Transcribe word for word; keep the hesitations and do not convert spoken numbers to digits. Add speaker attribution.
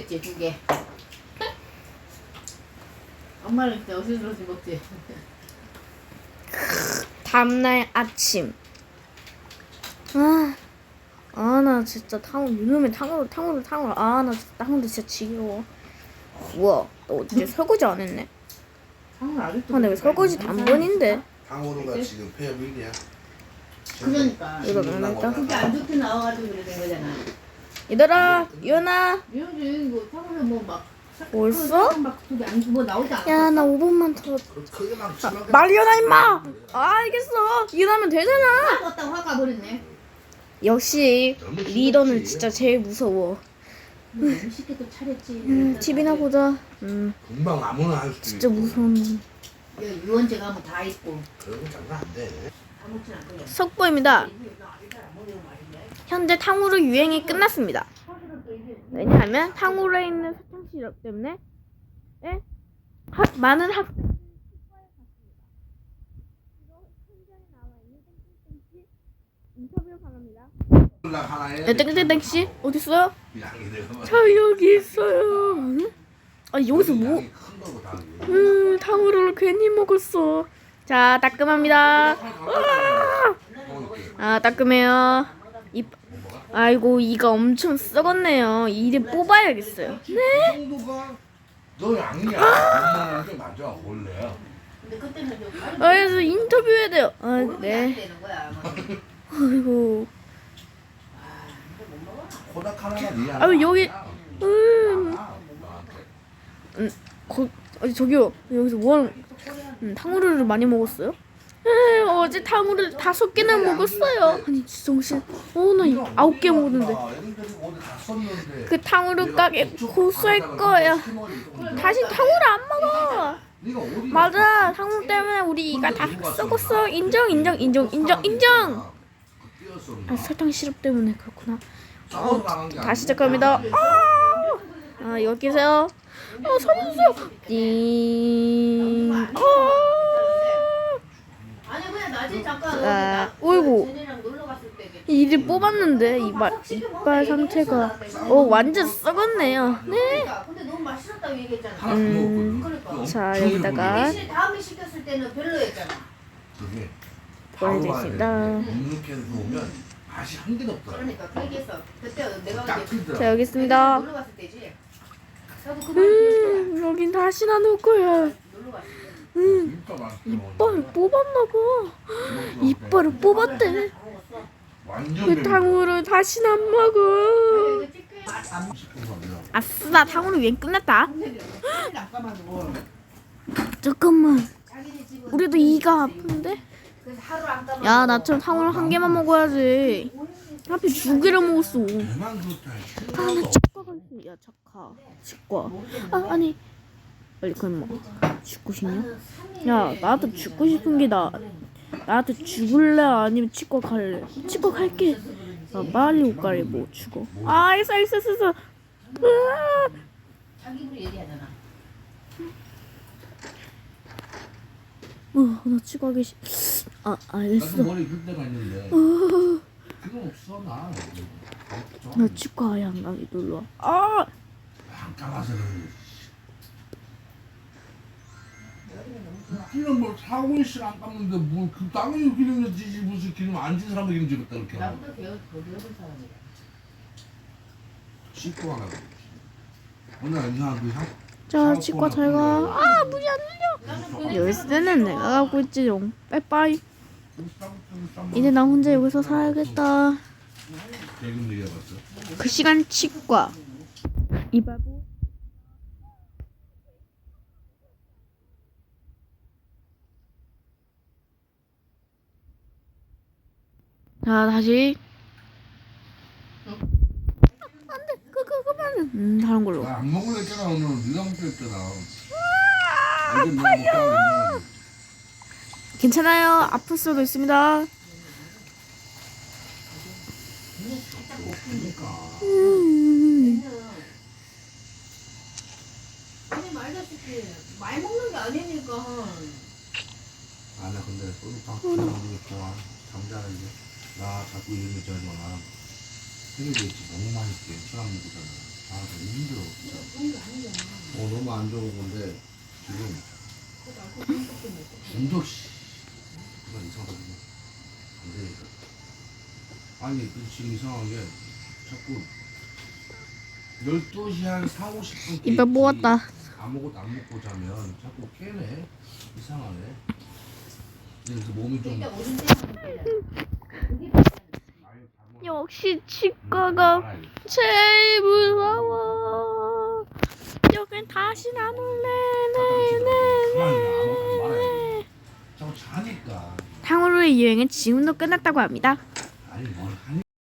Speaker 1: 먹겠지 두 개. 엄마는 그때 어슬스러지 먹지.
Speaker 2: 다음날 아침. 아, 아, 나 진짜 탕후루, 이놈의 탕후루, 탕후루, 탕후루. 아, 나 진짜 탕후루 진짜 지겨워. 우와, 너 어제 설거지 안 했네?
Speaker 1: 탕후루 아직도.
Speaker 2: 근데 왜 설거지 단번인데?
Speaker 3: 탕후루가 지금 폐업 일 위야.
Speaker 1: 그러니까.
Speaker 2: 이거 먹는다.
Speaker 1: 그게 안 좋게 나와가지고 그래 된 거잖아.
Speaker 2: 얘들아, 유연아.
Speaker 1: 이런지 이거 탕후루 뭐막
Speaker 2: 벌써?
Speaker 1: 뭐 나오지 않아.
Speaker 2: 야, 나 오 분만 더.
Speaker 3: 크게 막 치면
Speaker 2: 말이연아, 임마! 아, 알겠어. 일하면 되잖아.
Speaker 1: 떴다고 화가 버렸네.
Speaker 2: 역시 리더는 진짜 제일 무서워.
Speaker 1: 너무 쉽게 또 차렸지.
Speaker 2: 음, 티비나 보자. 음,
Speaker 3: 금방 아무나 할 수 있고.
Speaker 2: 진짜 무서운 놈.
Speaker 1: 유원제 가면 다 있고
Speaker 3: 그런 거 장난 안 돼.
Speaker 1: 다 먹진 않거든.
Speaker 2: 속보입니다. 현재 탕후루 유행이 끝났습니다. 왜냐하면 탕후루에 있는 사탕 시럽 때문에 예? 하, 많은 학생들이 치과에 갔습니다. 이거 현장에 나와 있는 땡땡땡씨 인터뷰 바랍니다. 네, 땡땡땡씨 어디 있어요? 저 여기 있어요. 응? 아 여기서 뭐? 음 탕후루를 괜히 먹었어. 자 따끔합니다. 아 따끔해요. 이 아이고 이가 엄청 썩었네요. 이를 뽑아야겠어요. 네.
Speaker 3: 너 양이야. 엄마는 좀 맞아 원래.
Speaker 1: 근데 그때는 좀
Speaker 2: 아, 그래서 인터뷰해야 돼요. 아
Speaker 1: 안
Speaker 2: 네.
Speaker 1: 되는 거야. 뭐.
Speaker 2: 아이고.
Speaker 3: 코닥 하나가 네 하나.
Speaker 2: 아유 여기 음,
Speaker 3: 너한테.
Speaker 2: 음 거, 아니 저기요 여기서 뭐하는 음, 탕후루를 많이 먹었어요? 에 어제 탕후루를 다섯 개나 먹었어요. 아니 진짜 정신 어나 이거 아홉 개 먹었는데 그 탕후루 가게 고소할 거야. 다시 탕후루 안 먹어. 맞아 탕후루 때문에 우리 이가 다 썩었어. 인정 인정 인정 인정 인정. 아 설탕 시럽 때문에 그렇구나. 어, 다시 시작합니다. 아, 아 여기 계세요. 어 살려주세요. 띵. 아.
Speaker 1: 아니 그냥 낮에 잠깐
Speaker 2: 아, 어이구.
Speaker 1: 쟤네랑 놀러 갔을 때 이렇게
Speaker 2: 이를 뽑았는데 이발 이빨 상태가 어 완전 썩었네요. 네.
Speaker 1: 그러니까 근데 너무 맛있었다고 얘기했잖아.
Speaker 2: 음.
Speaker 1: 그러니까.
Speaker 2: 자 여기다가
Speaker 1: 대신 다음에 시켰을 때는 별로였잖아.
Speaker 3: 그게
Speaker 2: 보여드리겠습니다.
Speaker 3: 눅눅해서 오면 맛이 한 개도 없더라.
Speaker 1: 그러니까 그 얘기했어. 그때 내가
Speaker 3: 딱
Speaker 1: 이제
Speaker 3: 틀더라.
Speaker 2: 자 여기 있습니다.
Speaker 1: 놀러 갔을 때지. 나도 그말
Speaker 2: 음 여긴 다시 나눌 거야.
Speaker 1: 놀러 갔을 때.
Speaker 2: 음
Speaker 3: 진짜 맛있어.
Speaker 2: 이빨을 뽑았나봐. 이빨을 뽑았대.
Speaker 3: 완전
Speaker 2: 그 탕후루 다시는 안 먹어.
Speaker 1: 이거 찍게 안
Speaker 2: 아싸 탕후루 유행 끝났다.
Speaker 1: 감아도
Speaker 2: 잠깐만
Speaker 1: 자기네 집은
Speaker 2: 우리도 이가 아픈데?
Speaker 1: 그래서 하루 안 감아.
Speaker 2: 야 나처럼 탕후루 한 개만 먹어야지. 하필 두 개를 먹었어.
Speaker 3: 대만 좋다.
Speaker 2: 아나 치과가 있어. 야 착하 치과. 아 아니 빨리 그만 먹어. 죽고 싶냐? 야 나도 죽고 싶은 게 나. 나한테 죽을래 아니면 치과 갈래? 치과 갈게. 아 빨리 옷 갈아입어 죽어. 아 있어 있어 있어. 있어. 으아.
Speaker 1: 자기 입으로 얘기하잖아.
Speaker 2: 어, 나 치과 가기 싫. 아 알겠어.
Speaker 3: 나도 머리 길 때가 있는데.
Speaker 2: 어,
Speaker 3: 그거 없어 나.
Speaker 2: 나 치과 아예 안 가기 놀러. 아
Speaker 3: 안 감아서. 기름 뭐 사고 씨 안 감는데 뭐그 당연히 기름이지 무슨 기름 안진 사람도 기름 집었다 그렇게.
Speaker 1: 나보다 배워 더 배워본 사람이야.
Speaker 3: 씻고 하라고. 오늘 이상 그 향.
Speaker 2: 자 치과 잘 가. 아 문이 안 열려. 열쇠는 내가 갖고 있지롱. 빠이빠이. 이제 나 혼자 여기서 살아야겠다.
Speaker 3: 대금 얘기해봤어.
Speaker 2: 그 시간 치과. 이바보. 자 다시. 안돼 그거 그만은. 음 다른 걸로.
Speaker 3: 나 안 먹을래 했잖아 오늘 네가 먹자 했잖아. 완전 내가 먹자.
Speaker 2: 괜찮아요. 아플 수도 있습니다. 음.
Speaker 1: 아니 말다시피 많이 먹는 게 아니니까.
Speaker 3: 아 나 근데 소주탕 먹는 거 좋아. 잠자는 게. 나 자꾸 이런 거 있잖아. 생일이 있지 너무 맛있게 술안 먹잖아. 아 너무 힘들어 진짜.
Speaker 1: 좋은 게 아니잖아.
Speaker 3: 어 너무 안 좋은 건데 지금
Speaker 1: 그거 알고 중독 때문에.
Speaker 3: 중독 씨 그건 이상하다 그거 안 되니까. 아니 그 지금 이상한 게 자꾸 열두 시 한 사, 오십 분
Speaker 2: 입에 모았다.
Speaker 3: 아무것도 안 먹고 자면 자꾸 깨네. 이상하네. 그래서 몸이 좀
Speaker 1: 일단 오줌 떼면 돼. 그게
Speaker 3: 아유, 다
Speaker 2: 역시
Speaker 3: 먹-
Speaker 2: 치과가
Speaker 3: 알아요.
Speaker 2: 제일 무서워. 여긴 다시 안 올래.
Speaker 3: 가만히 있어. 아무것도 안 말아야 돼. 자꾸 자니까.
Speaker 2: 탕후루의 유행은 지금도 끝났다고 합니다.